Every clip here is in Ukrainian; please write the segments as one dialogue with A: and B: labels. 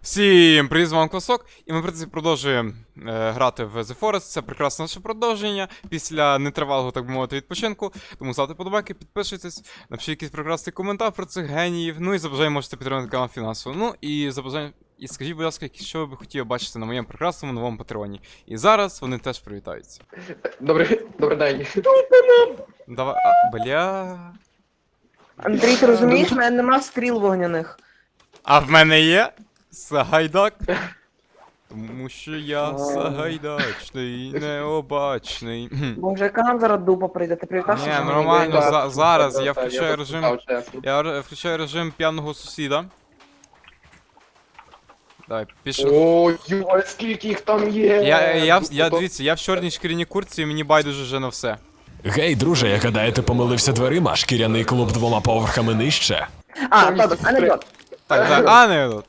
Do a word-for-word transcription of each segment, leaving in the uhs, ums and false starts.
A: Всім привіт, з вами Квасок, і ми в принципі продовжуємо е, грати в The Forest. Це прекрасне наше продовження після нетривалого, так би мовити, відпочинку. Тому ставте подобайки, підпишіться, напишіть якийсь прекрасний коментар про цих геніїв. Ну і за бажання можете підтримати канал фінансово. Ну і за бажання... І скажіть, будь ласка, що ви б хотіли бачити на моєму прекрасному новому патреоні. І зараз вони теж привітаються.
B: Добрий, добрий день.
A: Давай. А, бля.
C: Андрій, ти розумієш, в мене нема стріл вогняних.
A: А в мене є Сагайдак. Тому що я Сагайдачний, необачний. Кхм.
C: Боже, яка нам зараз дупа прийде, ти привітався?
A: Ні,
C: чи ні?
A: нормально,
B: Так,
A: за-
B: так,
A: зараз
B: так,
A: я
B: так,
A: включаю
B: я
A: режим.
B: поспитав, чесно.
A: Я ре- включаю режим п'яного сусіда. Давай, пішов.
B: О, йой, скільки їх там є!
A: Я, я, в- я,
B: То-
A: дивіться, я в чорній шкіряній куртці і мені байдуже вже на все.
D: Гей, друже, я гадаю, ти помилився дверима, шкіряний клуб двома поверхами нижче.
C: А, ладно, анекдот.
A: Так, так, а не тут.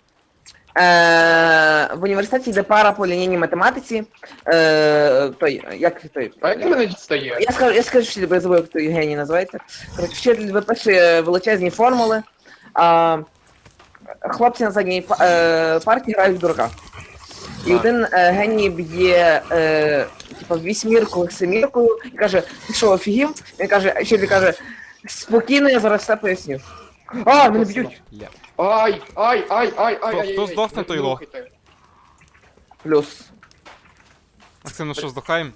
C: Е, в університеті йде пара по лінійній математиці. Е, той, як той?
B: А як ти мене дістає?
C: Я скажу, я скажу, що я забув, як той геній називається. Коротше, вчитель виписує величезні формули, а хлопці на задній па- е, парті грають в дурака. І
A: Так.
C: один е, геній б'є е, типу, вісьмірку семіркою і каже, ти що, офігів? Він каже, а вчитель каже, спокійно, я зараз все поясню. А, мене б'ють!
A: Бля.
B: Ай, ай, ай, ай, ай,
A: Хто-
B: ай,
A: хто
B: ай,
A: здохне,
B: не
A: той лох.
B: рухайте.
C: Плюс.
A: Максим, ну що, здохаєм?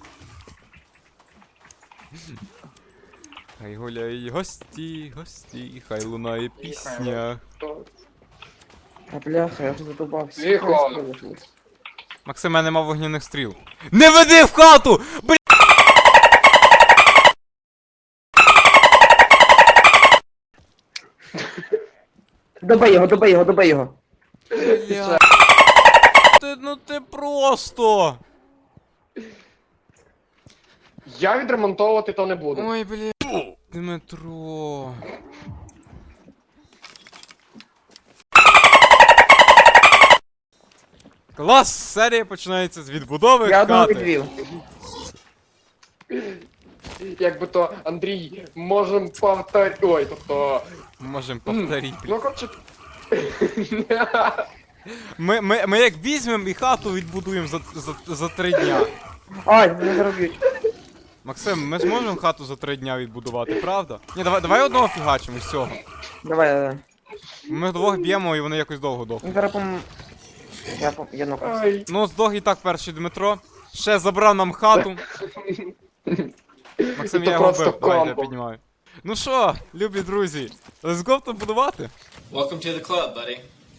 A: Хай гуляй, гості, гості, хай лунає пісня.
B: Хто?
C: А бляха, я вже задовбався.
B: Тихо.
A: Максим, я нема вогняних стріл. Не веди в хату! Бля!
C: Добий його, добий його, добий його.
A: Бля. Ти, ну ти просто!
B: Я відремонтовувати то не буду.
A: Ой, бля. Дмитро. Клас! Серія починається з відбудови
C: Я одного
A: хати.
C: відвів.
B: Якби то, Андрій, можем повтор... Ой, тобто...
A: Можем повторити.
B: Ну, коротше...
A: Ми, ми, ми як візьмемо і хату відбудуємо за, за, за три дня.
C: Ай, мене зараз б'ють.
A: Максим, ми зможемо хату за три дня відбудувати, правда? Ні, давай, давай одного фігачимо з цього.
C: Давай, давай.
A: Ми двох б'ємо і вони якось довго дохнуть.
C: Він зараз пом... Я пом... Я нокався.
B: Ай.
A: Ну, здох і так перший Дмитро. Ще забрав нам хату. Максим,
B: І то
A: я його
B: просто
A: бив, давай, я
B: комбо.
A: піднімаю. Ну що, любі друзі, let's go то будувати?
E: Welcome to the club, buddy.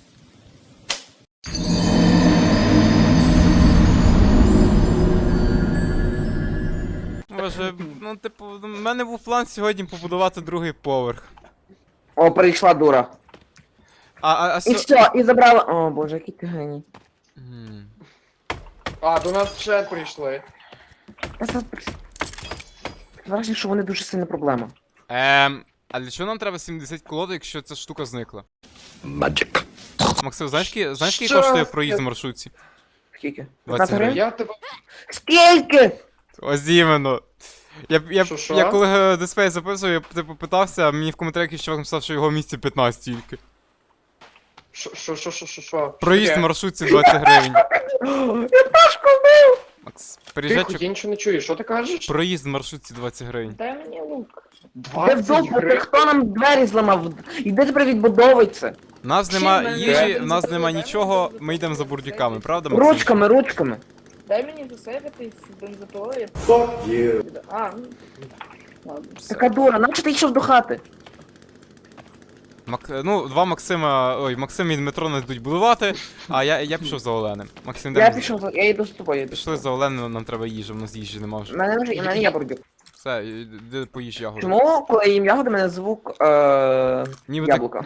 A: Боже, ну типу, в мене був план сьогодні побудувати другий поверх.
C: О, прийшла дура.
A: А, а, а
C: І
A: сьо...
C: все, і забрала... О, боже, який ти геній.
A: М.
B: А, до нас ще прийшли.
C: Я зараз... Враження, що вони дуже сильна проблема.
A: Ем, а для чого нам треба сімдесят колод, якщо ця штука зникла?
D: Magic.
A: Максим, знаєш, ки- знаєш, скільки
B: Що?
A: коштує проїзд в маршрутці?
C: Скільки?
A: двадцять
C: п'ятнадцять гривень?
B: Я тебе...
C: Скільки?
A: Ось іменно. Я, я,
B: Що-що?
A: я коли е, дисплей записував, я типу питався, а мені в коментарях якийсь чувак написав, що його в місті п'ятнадцять тільки.
B: Що, що, що, що, що, що?
A: Проїзд в
B: Таке?
A: маршрутці двадцять гривень.
C: Я Пашку вбив!
A: Макс,
B: Тихо,
A: приїжджай,
B: я нічого не чую, що ти кажеш?
A: проїзд в маршрутці двадцять гривень.
C: Дай мені лук. Де
B: двадцять
C: вдовго, ти
B: гривень?
C: хто нам двері зламав? Іди тепер відбудовуй це.
A: У нас нема
F: Чим ми
A: їжі,
F: граємо?
A: в нас нема нічого, ми йдемо за бурдюками, правда, Максим?
C: Ручками, ручками.
F: Дай мені засейвитись з бензопилою. Fuck you. А, ну. Ладно.
C: Така дура, наче ти йшов до хати.
A: Мак... Ну, два Максима, ой, Максим і Дмитро не йдуть будувати, а я, я пішов за Оленем. Максим, де
C: Я
A: ми-
C: пішов, за- я йду з тобою. я йду з
A: Пішли за Оленем, нам треба їжі, в нас їжі нема
C: У
A: вже.
C: мене вже, і в мене є бурдюк.
A: Все, іди поїж ягоду.
C: Чому, коли я їм ягоди, мене звук е...
A: Ніби
C: яблука?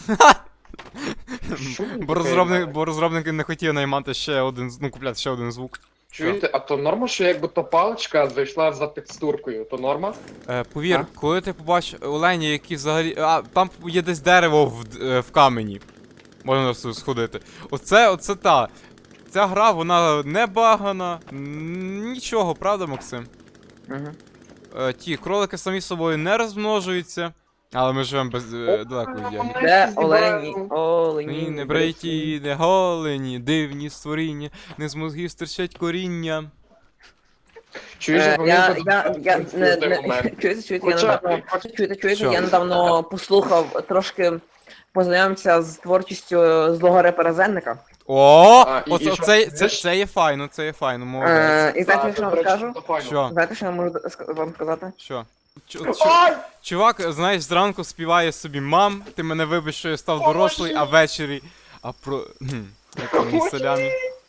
B: Що ви
A: Бо,
B: таке?
A: розробник, бо розробники не хотіли наймати ще один, з- ну, купляти ще один звук.
B: Чуєте, а то норма, що якби то паличка зайшла за текстуркою, то норма?
A: Е, повір,
B: А?
A: коли ти побачиш олені, які взагалі. А, там є десь дерево в, д- е, в камені. Можна просто сходити. Оце, оце та. Ця гра, вона не багана. н- Нічого, правда, Максим?
C: Угу.
A: Е, ті кролики самі собою не розмножуються. Але ми живемо без е, далеко від Яги.
C: Де олені, олені.
A: Ні, не бриті, не голені, дивні створіння, не з мозгів стирчать коріння.
B: Чуєш,
C: Е,
B: вони
C: Я,
B: тут
C: я, я,
B: в
C: не,
B: той
C: не,
B: момент.
C: чуєте, чуєте, я
B: Хоча-
C: недавно,
B: хоча-
C: чуєте, чуєте,
A: Що?
C: я недавно послухав, трошки познайомився з творчістю злого репера Зенника.
A: О,
B: А, і-
A: оце,
B: і що,
A: це, це,
B: знаєш-
A: це є файно, це є файно, молодець.
C: Е, і знаєте,
B: Так,
C: що я
B: до
C: вам
B: речі,
C: скажу?
B: це файно.
A: Що?
C: Знаєте, що я можу ска- вам сказати?
A: Що? Чу- чу-
B: Ай!
A: Чувак, знаєш, зранку співає собі мам, ти мене вибач, що я став дорослий, а ввечері. А про. Хм, як мій селяни.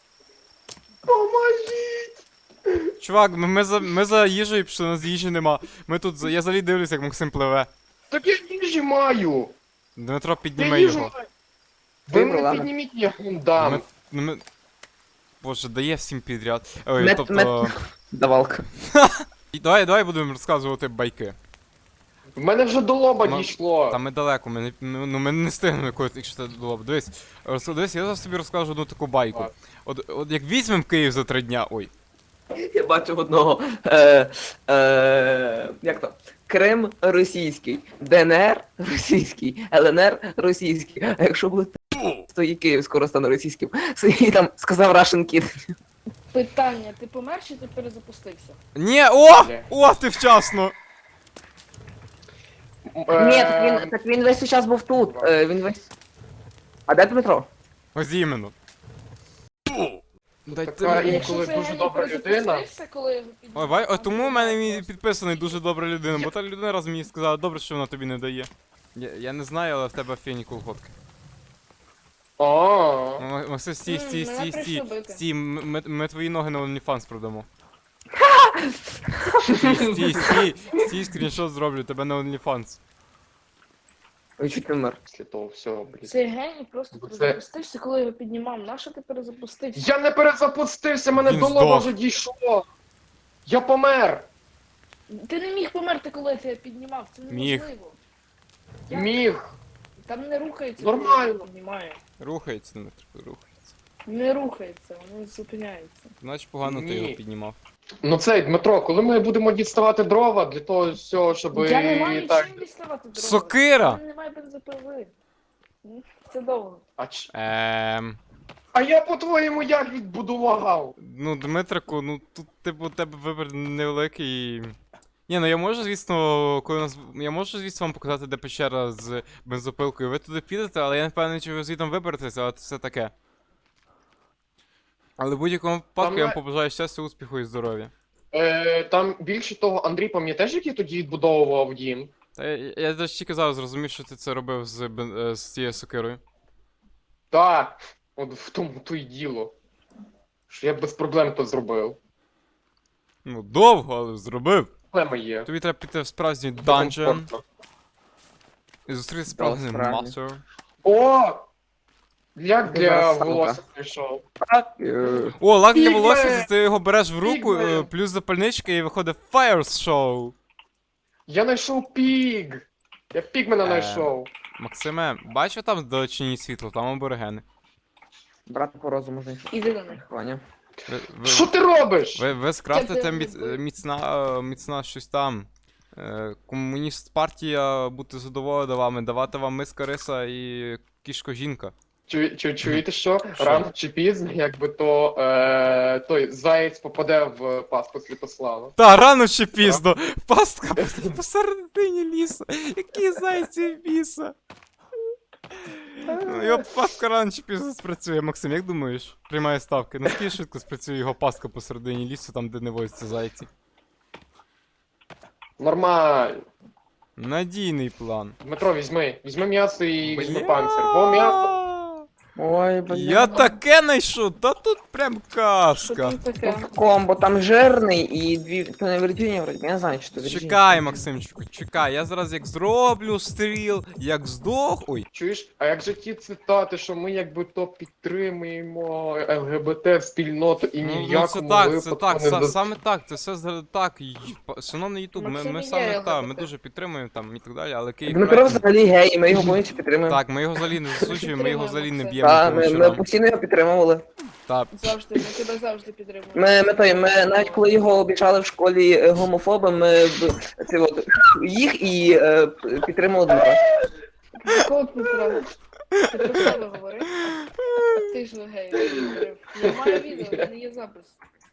B: Поможіть!
A: Чувак, ми, ми, за, ми за їжею пішли, у нас їжі нема. Ми тут. за- Я взагалі дивлюся, як Максим пливе.
B: Так я їжі маю!
A: Дмитро,
B: Я
A: підніми
B: їжу
A: його.
B: маю! Ви
C: Добре,
B: мене
C: ладно.
B: підніміть, я вам дам.
A: Ми, ну, ми... Боже, дає всім підряд. Ой,
C: Мет-
A: тобто.
C: мет- Давалка.
A: І Давай, давай будемо розказувати байки.
B: В мене вже до лоба
A: Ма-
B: дійшло.
A: Та ми далеко, ми не, ну, ну, ми не встигнемо якось, якщо це було б. Дивись, роз- дивись, я зараз тобі розкажу одну таку байку.
B: Так.
A: От, от як візьмемо Київ за три дня, ой.
C: Я бачу одного. Е, е, як то? Крим російський, ДНР російський, ЛНР російський. А якщо буде то і Київ скоро стане російським. І там сказав Russian Kid.
F: Питання, ти помер чи ти перезапустився?
A: Ні, о!
B: Бля.
A: О, ти вчасно!
B: Е,
C: Ні, так він, так він весь час був тут. Е, він весь. А де Дмитро?
A: Ось іменно. Дайте
B: Така
A: мені.
B: і-
F: Якщо
B: коли
F: це
B: дуже
F: Геній
B: добра
F: перезапустився, коли його
A: Ой,
F: піднімав,
A: бай,
F: там
A: от тому
F: було
A: в мене мій
F: класно.
A: підписаний дуже добра людина, бо та людина раз мені сказала, добре, що вона тобі не дає. Я, я не знаю, але в тебе фені колготки.
B: А,
A: М- Максим, стій,
F: М,
A: стій,
F: мене
A: стій, стій,
F: прийшли бити.
A: стій, м- ми, ми твої ноги на OnlyFans продамо. Стій, стій, стій, стій, скріншот зроблю, тебе на OnlyFans.
C: Ой, чуть не вмер.
B: після того всього, блін.
F: Цей геній просто
B: Це-
F: перезапустився, коли його піднімав. Нащо ти перезапустився?
B: Я не перезапустився, мене
A: Він
B: до лоба
A: здох.
B: вже дійшло. Я помер.
F: Ти не міг померти, коли я тебе піднімав, це
A: Міг.
F: неможливо. Як?
B: Міг.
F: Там не рухається,
B: Нормально.
F: коли я тебе піднімаю.
A: Рухається, Дмитро, рухається.
F: Не рухається, воно зупиняється.
A: Значить погано ти
B: Ні.
A: його піднімав.
B: Ну цей, Дмитро, коли ми будемо діставати дрова для того всього, щоб
F: Я не маю
B: так.
F: чим діставати дрова.
A: Сокира!
F: У мене немає бензопили. М, Це довго.
B: А, ч...
A: Ем...
B: а я по-твоєму як відбудував?
A: Ну, Дмитрику, ну тут типу у тебе вибір невеликий. Ні, ну я можу, звісно, коли у нас. Я можу, звісно, вам показати, де печера з бензопилкою. Ви туди підете, але я не впевнений, чи ви звідом виберетеся, але це все таке. Але в будь-якому випадку
B: Там
A: я вам
B: на-
A: побажаю щастя, успіху і здоров'я.
B: Е, там більше того, Андрій, пам'ятаєш, як я тоді відбудовував дім?
A: Та я, я, я навіть тільки зараз зрозумів, що ти це робив з, бен- е, з цією сокирою.
B: Так, от в тому то й діло. Що я без проблем то зробив.
A: Ну, довго, але зробив.
B: Проблема є.
A: Тобі треба піти в справжній данжен
B: Комфортно.
A: і зустріти справжній
C: справді.
A: мастер.
B: О! Як
C: Ти
B: для
C: зараз сам,
B: волосся прийшов.
C: Так. е,
A: О, лак для
B: Пігме!
A: волосся, це ти його береш в руку,
B: Пігме!
A: е, плюс запальничка і виходить Fire Show.
B: Я знайшов піг! Я пігмена
A: Е.
B: знайшов.
A: Максиме, бачу там вдалечині світло, там аборигени.
C: Брата по розуму знайшов.
F: Іди до них.
C: Ваня.
A: Ви, ви,
B: Що ти робиш?
A: ви, ви скрафтите
F: Це
A: міц,
F: ти-
A: міцна, е, міцна щось там. Е, Комуніст партія бути задоволена вами, давати вам миска риса і кішко жінка.
B: Чу, чу, чуєте що?
A: Що?
B: Рано чи пізно, якби то е, той заєць попаде в пастку Святослава.
A: Та, рано чи пізно! Пастка посередині лісу! Які зайці біса! Ну, Його пастка рано чи пізно спрацює. Максим, як думаєш? Приймає ставки. Наскільки швидко спрацює його пастка посередині лісу, там де не водяться зайці?
B: Нормально.
A: Надійний план.
B: Дмитро, візьми. Візьми м'ясо і візьми
A: Бля.
B: панцир. Бо м'ясо.
C: Ой, бля.
A: Я таке знайшов, та тут прям
F: Що
A: казка.
F: там таке?
C: Комбо, там жирний і дві. То не Вірджинія, вроді, я не знаю, що це Вірджинія.
A: Чекай, Максимчику, чекай, я зараз як зроблю стріл, як здох. Ой,
B: Чуєш, а як же ті цитати, що ми якби то підтримуємо ЛГБТ спільноту і ні
A: ну,
B: в
A: ну це
B: якому
A: так, це
B: випадку
A: так,
B: не
A: са-
B: до-
A: саме так, це все з- так. й- па- Шановний Ютуб, ми,
F: Максим
A: ми
F: і є
A: саме так, ми
F: ЛГБТ.
A: дуже підтримуємо там і так далі, але Київ.
C: Дмитро
A: проект-
C: взагалі гей, і ми його повністю підтримуємо.
A: Так, ми його взагалі не засуджуємо, ми його взагалі не
F: Максим.
A: б'ємо
C: Так,
A: по
C: ми, ми
A: вечорам.
C: постійно його підтримували.
A: Та,
F: Завжди, ми тебе завжди підтримуємо.
C: Ми, ми, той, ми навіть коли його обіцяли в школі е, гомофоби, ми б- це от, їх і е, підтримали Дмитра.
F: Якого Дмитра? Ти про себе говори. А ти ж гей, говорив. Я маю відео, в мене є запис.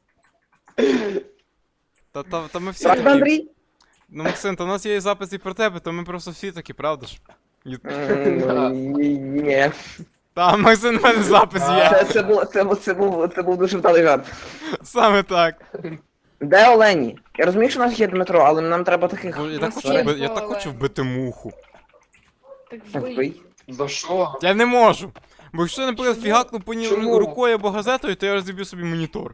A: та, та, та ми всі
C: Правда,
A: такі.
C: Андрій?
A: Ну, Максим, то у нас є і запис і про тебе, то ми просто всі такі, правда ж? І-
C: М, Ні.
A: Та, Максим, в мене запис є.
C: Це, це, був, це, був, це, був, це був дуже вдалий жарт.
A: Саме так.
C: Де Олені? Я розумію, що у нас є Дмитро, але нам треба таких.
A: Бо Я так хочу,
F: Максим,
A: вби- я так
F: Олег.
A: хочу вбити муху.
F: Так
C: Так,
F: вбий.
C: вбий.
B: За що?
A: Я не можу. Бо якщо, наприклад,
F: Чому?
A: фігакну по ній
B: Чому?
A: рукою або газетою, то я розіб'ю собі монітор.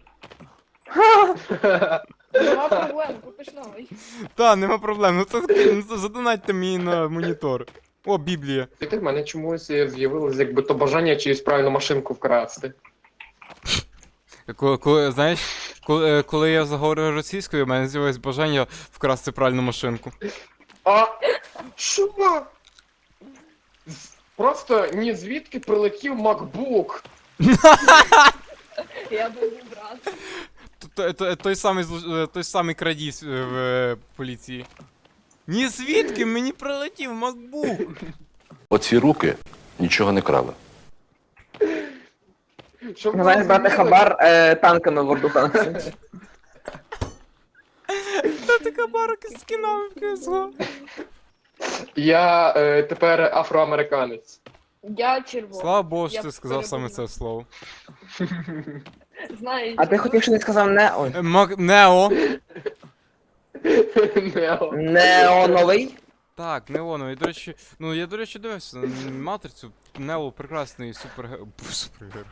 F: Нема проблем, купиш новий.
A: Та, нема проблем. Ну це, ну, це задонатьте мені на монітор. О, Біблія.
B: І в мене чомусь з'явилось якби то бажання чиюсь правильну машинку вкрасти.
A: Коли, коли, знаєш, коли, коли я заговорив російською, у мене з'явилось бажання вкрасти пральну машинку.
B: А що? З- Просто ні звідки прилетів MacBook.
F: Я був брат.
A: Т- т- Той самий, зло- е, той самий крадій с- е, в е, поліції. Ні звідки мені прилетів MacBook.
G: Оці руки нічого не крали.
B: Щоб ви
C: Знаєш, брати
B: розуміли,
C: хабар е, танками в World of Tanks.
A: Та така барка з кінами в кес го.
B: Я е, тепер афроамериканець.
F: Я червоний.
A: Слава Богу, що
F: Я
A: ти сказав саме
F: передумав.
A: це слово.
F: Знаєш.
C: А ти хотів, що не сказав не. Ой.
A: Е, Мак... Нео.
B: Нео.
C: Неоновий?
A: Так, неоновий. До речі, ну я, до речі, дивився на матрицю. Нео прекрасний супер... супергерой.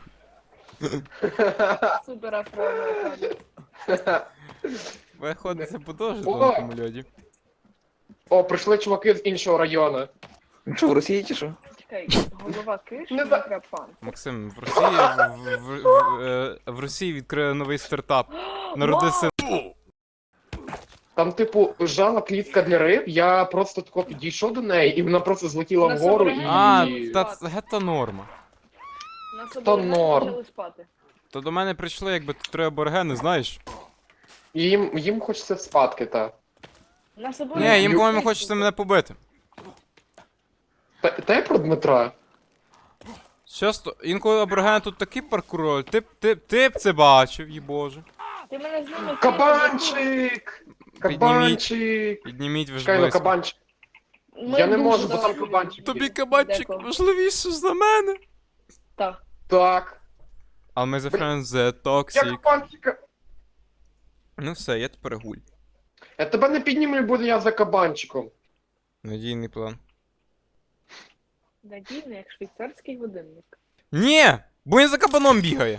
F: Супер афроамериканець.
A: Виходить, це по дуже
B: О!
A: тонкому льоді.
B: О, прийшли чуваки з іншого району.
C: Що, в Росії чи що?
F: Чекай, голова киш,
B: Не за-
F: мікрофон.
A: Максим, в Росії в, в, в, е, в Росії відкрили новий стартап. Народився.
B: Там, типу, жала клітка для риб, я просто тако підійшов до неї, і вона просто злетіла
F: На
B: вгору і.
A: А,
F: І-
A: та це гетто норма.
F: На собі
B: То норм.
F: почали спати.
A: То до мене прийшли, якби три аборигени, знаєш?
B: І їм, їм хочеться спадки, та.
F: На собі
A: Ні, їм, по-моєму, хочеться мене побити.
B: Та, та я про Дмитра.
A: Часто, інколи аборигени тут такі паркури, ти, б- ти, б- ти б це бачив, їй боже.
F: Ти мене з ними
B: Кабанчик! Кабанчик!
A: Підніміть ви ж
B: Чекай, ну
A: близько.
B: кабанчик.
F: Ми
B: Я не
F: дуже
B: можу, бо там
F: далеко.
B: кабанчик.
A: Тобі
B: є.
A: кабанчик
F: Декого.
A: важливіше за мене.
F: Так.
B: Так.
A: А ми за friends the
B: Я
A: toxic.
B: кабанчика.
A: Ну все, я тепер гуль.
B: Я тебе не піднімлю, буду я за кабанчиком.
A: Надійний план.
F: Надійно, як швейцарський годинник.
A: Ні! Бо він за кабаном бігає.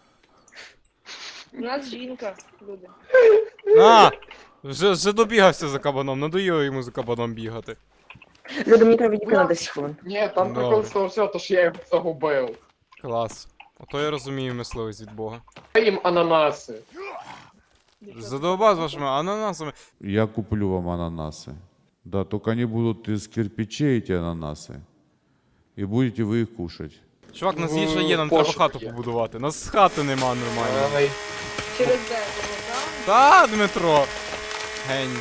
F: У нас жінка, люди.
A: А! Вже, вже добігався за кабаном, надоїло йому за кабаном бігати.
C: Люди, мені треба відійти на десять хвилин.
B: Ні, там
A: Добре.
B: прикол з того всього, то що я його загубив.
A: Клас. Ото я розумію мисливість від Бога.
B: Я їм ананаси.
A: Задовбав з вашими ананасами.
H: Я куплю вам ананасы. Да, только они будут из кирпичей, эти ананасы. И будете вы их кушать.
A: Чувак, нас
B: Ну,
A: їжа є, нам треба
B: пошук
A: хату
B: є.
A: побудувати. Нас хати нема нормально.
B: Ай.
F: Через дерево, так?
A: Та, Дмитро! Гень.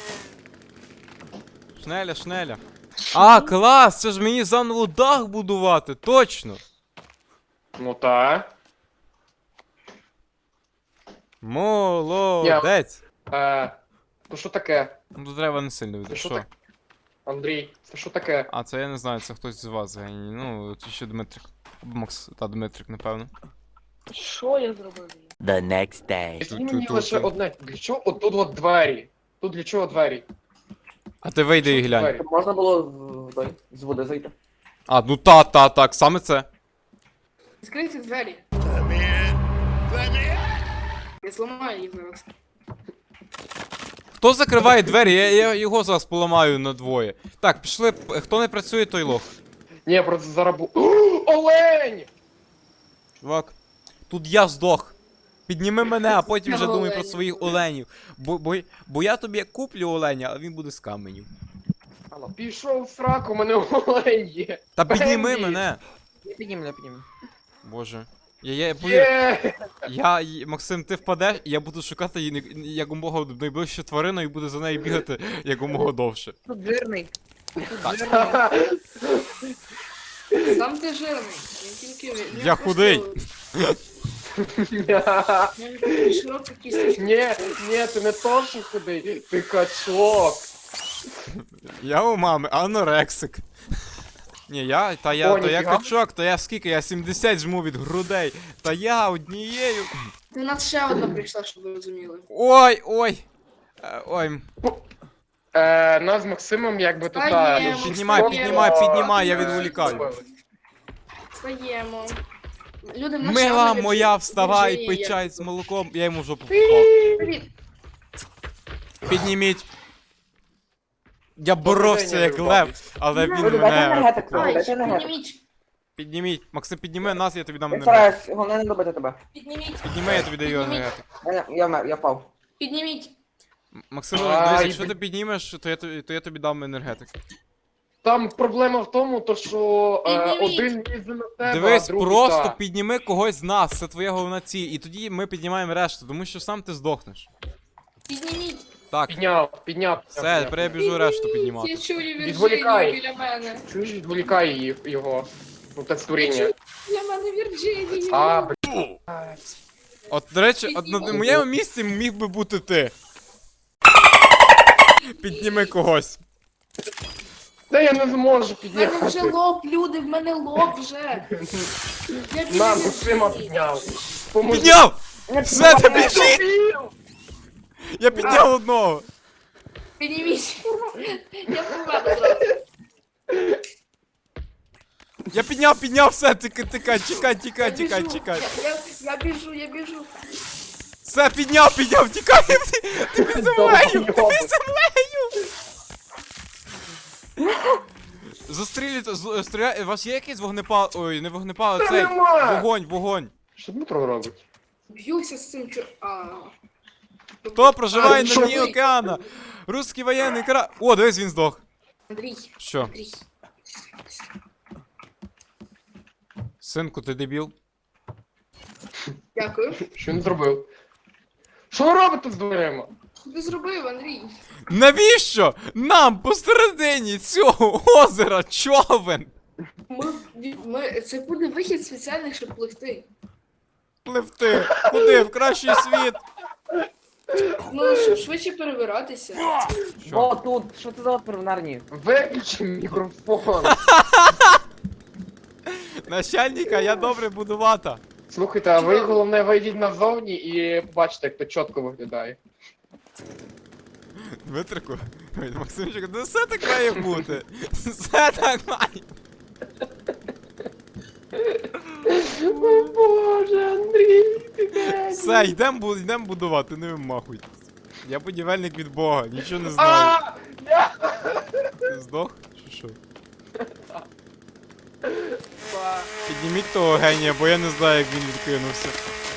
A: Шнеля, шнеля. А, клас! Це ж мені заново дах будувати, точно!
B: Ну та.
A: Молодець!
B: Е, то що таке?
A: Ну тут треба не сильно
B: Це
A: від.
B: що
A: Що?
B: таке? Андрій, це що таке?
A: А, це я не знаю, це хтось з вас геній. Ну, це ще Дмитрик. Або Макс, та Дмитрик, напевно.
F: Що я зробив?
I: The next day.
B: Скажи
A: Ту-
B: мені
A: ту-
B: лише
A: ту-
B: одне. Для чого отут от двері? Тут для чого двері?
A: А ти вийди і глянь.
B: Двері.
C: Можна було в- той, з води зайти.
A: А, ну та, та, так, саме це.
F: Скрийте двері. Я зламаю їх зараз.
A: Хто закриває двері? Я, я його зараз поламаю на двоє. Так, пішли. п- Хто не працює, той лох.
B: Ні, просто зараз бу... О, олень!
A: Чувак, тут я здох. Підніми мене, а потім вже думай про
F: Оленів.
A: своїх оленів. Бо, бо, бо я тобі куплю оленя, а він буде з каменів.
B: Пішов в сраку, у мене олень є.
A: Та підніми
B: Бенді!
A: мене.
C: Я підніму, я підніму.
A: Боже. Я, я, повір,
B: Є!
A: я, й- Максим, ти впадеш, і я буду шукати її не- якомога найближчу тварину і буду за нею бігати якомога довше.
C: Тут жирний. Тут жирний.
F: Сам ти жирний. Не тільки ви.
A: Я худий.
F: Широка кісточка.
B: Ні, ні, ти не то, що худий, ти качок.
A: Я у мами анорексик. Ні, я, та я,
B: О,
A: то я
B: ніфіга.
A: качок, то я скільки, я сімдесят жму від грудей. Та я однією.
F: У нас ще одна прийшла, щоб ви розуміли.
A: Ой, ой. Е, Ой,
B: Е, нас з Максимом якби тут...
F: Встаємо,
B: а,
A: піднімай,
F: встаємо.
A: піднімай, піднімай, я
B: Е,
A: відволікаю.
F: Встаємо. Люди, в нас ще
A: Мила
F: одна
A: моя,
F: Вірджинія
A: вставай,
F: є.
A: пий чай з молоком. Я йому жопу впав.
F: Привіт.
A: Підніміть. Я боровся
B: день,
A: як
B: Любов.
A: лев, але він
C: Люди, дайте
A: мене
C: енергетик,
A: поклав.
F: Ай,
C: дайте енергетик.
F: підніміть.
A: Підніміть. Максим, підніми нас, я тобі дам
C: Я
A: енергетик.
C: стараюсь, головне не добити тебе.
F: Підніміть.
A: Підніми, я тобі даю енергетик.
C: Я, я, вмер, я впав.
F: Підніміть.
A: М- Максим,
B: Ай,
A: дивись, якщо
B: блін.
A: ти піднімеш, то я, тобі- то я тобі дам енергетик.
B: Там проблема в тому, то що е,
F: Підніміть.
B: один лізе на тебе,
A: Дивись,
B: а другий
A: просто
B: та.
A: підніми когось з нас, це твоя головна ціль. І тоді ми піднімаємо решту, тому що сам ти здохнеш.
F: Підніміть.
A: Так,
B: Підняв, підняв.
A: все, тепер я біжу решту піднімати.
F: Я чую Вірджинію
B: Відволікай.
F: біля мене.
B: Чуєш, відволікай її, його. Ну, так створіння.
F: Біля мене Вірджинію.
B: А, блін.
A: От, до речі, от на моєму місці міг би бути ти. Підніми когось.
B: Та я не зможу
F: В мене вже
B: підняти.
F: лоб, люди, в мене лоб вже. Я біля
B: На, Максима
F: Вірджинії.
B: підняв. Поможи.
A: Підняв! Все, ти біжи! Я підняв одного.
F: Підніміть. Я померла зразу.
A: Я підняв, підняв, все, тикай, тикай, чекай,
F: Я
A: тікай, тікай,
F: біжу.
A: тікай.
F: Я, я, я біжу, я біжу.
A: Все, підняв, підняв, тікай! Ти, ти під землею! Ти під землею! Застрілюйте, з- стріляй, у вас є якийсь вогнепал... Ой, не вогнепал, а цей,
B: нема!
A: вогонь, вогонь.
B: Що Дмитро робить?
F: Б'юся з цим чо... А.
A: Хто проживає на
B: що
A: дні
F: ви?
A: океана? Русський воєнний кра... О, дивись, він здох.
F: Андрій,
A: Що?
F: Андрій.
A: Синку, ти дебіл?
F: Дякую.
B: Що він зробив? Що ви робите з дверима?
F: Що ти зробив, Андрій?
A: Навіщо нам посередині цього озера човен
F: Ми, ми, це буде вихід спеціальний, щоб пливти.
A: пливти? Куди? В кращий світ?
F: Ну, щоб швидше перебиратися.
A: Що?
C: О, тут, що це за отвір в нарні?
B: Виключи мікрофон.
A: Начальника, я добре будувати.
B: Слухайте, а ви головне вийдіть назовні і побачите, як то чітко виглядає.
A: Дмитрику, ой, Максимчик, ну все так має бути. Все так має.
B: О боже, Андрій, ти де?
A: Все, йдемо бу- йдем будувати, не вимахуйтесь. Я будівельник від Бога, нічого не знаю.
B: А! Я-
A: Ти здох? Чи що? Підніміть того генія, бо я не знаю, як він відкинувся.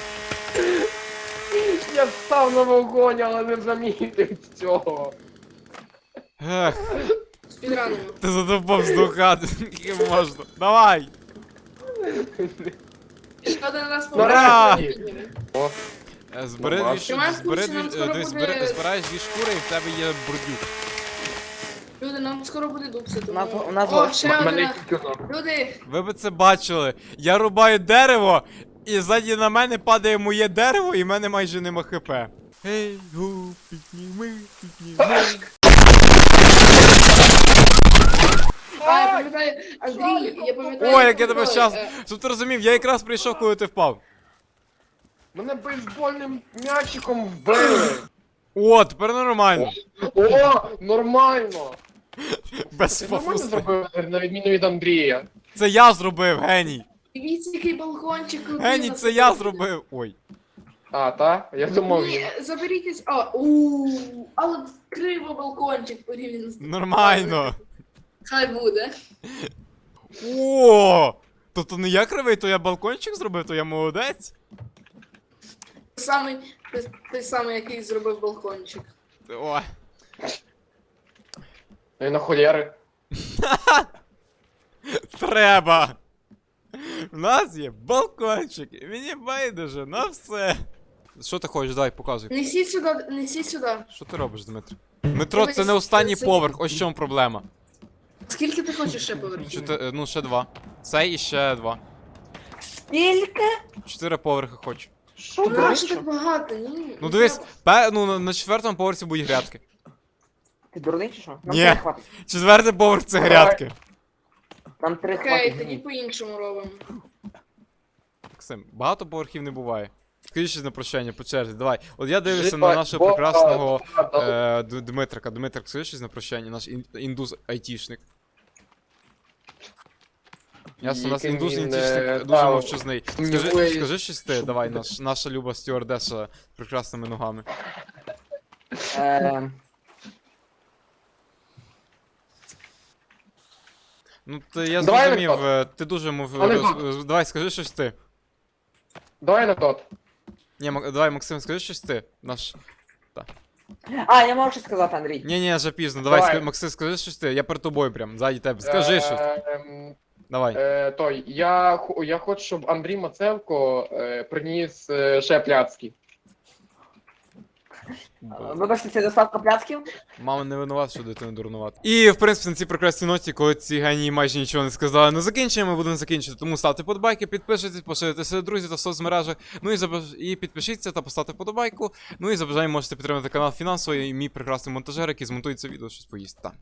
B: Я став на вогонь, але не замітив цього.
A: Ех,
F: Спідранимо.
A: ти задовбав здохати, скільки можна. Давай!
F: Ще один раз
A: Ура!
F: померти підніме.
A: Е, Збери
B: Ну,
A: дві
B: бачиш.
A: шу-
F: Тримай
A: збери
F: курс,
A: дві,
F: нам
A: е,
F: скоро
A: дивись,
F: буде-
A: збери- збираєш дві шкури і в тебе є бурдюк.
F: Люди, нам скоро буде дупси,
C: У нас-
F: тому...
C: у нас
F: О,
C: гості.
F: ще
B: Мене
F: одна.
B: тільки ног.
F: Люди,
A: Ви би це бачили. Я рубаю дерево, і ззаді на мене падає моє дерево, і в мене майже нема хп. Ей, гу, підніми, підніми.
F: а, я пам'ятаю, Андрій, я пам'ятаю...
A: Ой, як я тебе
F: той,
A: щас.
F: е,
A: Щоб ти розумів, я якраз прийшов, коли ти впав.
B: Мене бейсбольним м'ячиком вбили.
A: О, тепер нормально.
B: О, нормально.
A: Без
B: Ти нормально
A: фафуста.
B: зробив, на відміну від Андрія.
A: Це я зробив, геній.
F: Дивіться, який балкончик крутий.
A: Геній,
F: у нас
A: це я
F: тут.
A: зробив. Ой.
B: А, та? Я думав він.
F: Ні, заберіть... А, ууу, але криво балкончик порівняно з...
A: Нормально.
F: Хай буде.
A: О! Тобто не я кривий, то я балкончик зробив, то я молодець.
F: Той самий, той, той самий, який зробив балкончик.
A: Ой.
B: Ну і на холєри.
A: Треба. У нас є балкончик, і мені байдуже на все. Що ти хочеш, давай, показуй.
F: Несіть сюди, несіть сюди.
A: Що ти робиш, Дмитро? Дмитро, це не
F: Дивись,
A: останній
F: це-
A: поверх, ось в чому проблема.
F: Скільки ти хочеш ще поверхів?
A: Чотири, ну, ще два. Цей і ще два.
C: Скільки?
A: Чотири поверхи хочу.
C: Що
F: Нащо
C: ти?
F: так багато? Ні.
A: Ну
F: не
A: дивись,
F: треба.
A: пе, ну, на- на четвертому поверсі будуть грядки.
C: Ти дурний чи що? Нам
A: Ні.
C: три хватить.
A: Четвертий поверх це
B: Давай.
A: грядки.
C: Нам три
F: Окей,
C: хватить.
F: тоді по-іншому робимо.
A: Максим, багато поверхів не буває. Скажи щось на прощання по черзі, давай. От я дивлюся
B: Жива,
A: на нашого
B: Бога,
A: прекрасного
B: Бога,
A: е, Д- Дмитрика. Дмитрик, скажи щось на прощання, наш ін- індус айтішник. Ясно, у нас
B: Яким
A: індус
B: він,
A: айтішник
B: е,
A: дуже
B: да,
A: мовчазний. Скажи,
B: сумнівує,
A: скажи щось ти, давай, наш, наша люба стюардеса з прекрасними ногами.
C: Е,
A: Ну, ти, я
B: Давай
A: зрозумів,
B: анекдот.
A: е, ти дуже мов...
B: Анекдот.
A: роз- Давай, скажи щось ти.
B: Давай анекдот.
A: Ні, Мак- давай, Максим, скажи щось ти. Наш...
C: А, я можу щось сказати, Андрій.
A: Ні, ні, вже пізно. Давай,
B: Давай.
A: ска- Максим, скажи щось ти. Я перед тобою прям, ззаді тебе. Скажи щось.
B: Ем,
A: Давай.
B: Е, той, я, хо- я хочу, щоб Андрій Мацевко е, приніс е, ще пляцки.
C: Вибачте, це доставка пляцків?
A: Мама не винувата, що дитину дурнувати. І, в принципі, на цій прекрасній ноті, коли ці генії майже нічого не сказали, не закінчуємо, ми будемо закінчити. Тому ставте подобайки, підпишіться, поширюйте серед друзів та в соцмережах. Ну і, забаж... і підпишіться та поставте подобайку. Ну і за бажанням можете підтримати канал фінансово і мій прекрасний монтажер, який змонтує це відео, щось поїсть. Та.